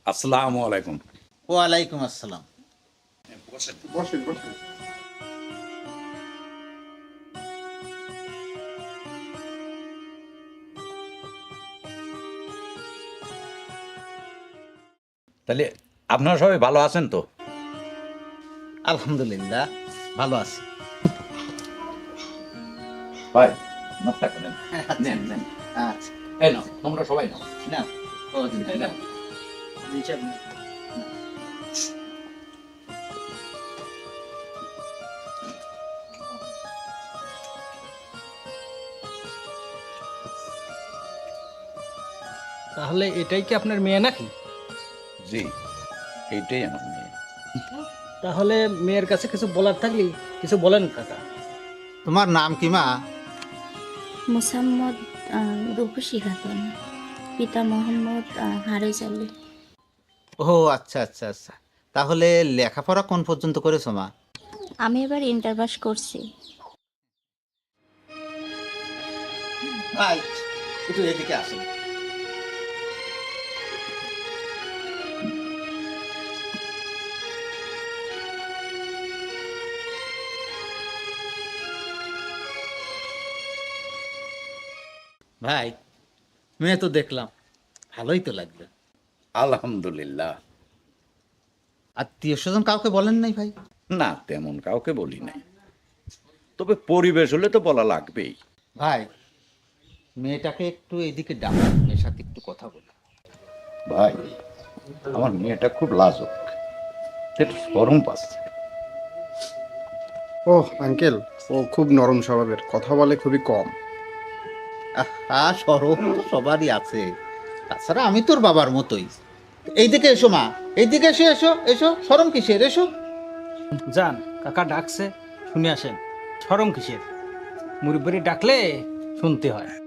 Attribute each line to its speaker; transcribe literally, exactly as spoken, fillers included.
Speaker 1: আসসালামু আলাইকুম।
Speaker 2: ওয়ালাইকুম আসসালাম।
Speaker 1: বসেন
Speaker 3: বসেন বসেন।
Speaker 1: তাহলে আপনারা সবাই ভালো আছেন তো?
Speaker 2: আলহামদুলিল্লাহ ভালো আছি।
Speaker 1: ভাই নাস্তা করেন। নেন নেন।
Speaker 2: আচ্ছা
Speaker 1: এই নাও, তোমরা সবাই নাও।
Speaker 2: না ও
Speaker 1: এই নাও।
Speaker 4: তাহলে এটাই কি আপনার মেয়ে নাকি?
Speaker 1: জি, এইটাই আমার মেয়ে।
Speaker 4: তাহলে মেয়ের কাছে কিছু বলার থাকলে কিছু বলেন কাকা।
Speaker 2: তোমার নাম কি মা?
Speaker 5: মোসাম্মদ আহ, রূপসী খাতুন, পিতা মোহাম্মদ আহ, হারেস আলী।
Speaker 2: ও আচ্ছা আচ্ছা আচ্ছা, তাহলে লেখাপড়া কোন পর্যন্ত করেছো মা?
Speaker 5: আমি এবার ইন্টার পাস করছি।
Speaker 2: ভাই একটু এদিকে আসেন। ভাই মেয়ে তো দেখলাম, ভালোই তো লাগবে।
Speaker 1: আলহামদুলিল্লাহ।
Speaker 2: আত্মীয় স্বজন কাউকে বলেন নাই ভাই?
Speaker 1: না, তেমন কাউকে বলি নাই, তবে পরিবেশ হলে তো বলা লাগবেই।
Speaker 2: ভাই মেয়েটাকে একটু এদিকে ডাকুন, মেয়ের সাথে একটু কথা বলি।
Speaker 1: ভাই, আমার মেয়েটা খুব লাজুক, একটু শরম পাচ্ছে।
Speaker 3: ও আঙ্কেল, ও খুব নরম স্বভাবের, কথা বলে খুবই কম।
Speaker 2: আহা সরম তো সবারই আছে, তাছাড়া আমি তোর বাবার মতোই। এইদিকে এসো মা, এইদিকে এসো এসো এসো, শরম কিসের, এসো।
Speaker 4: যান, কাকা ডাকছে, শুনে আসেন। শরম কিসের? মুরব্বি ডাকলে শুনতে হয়।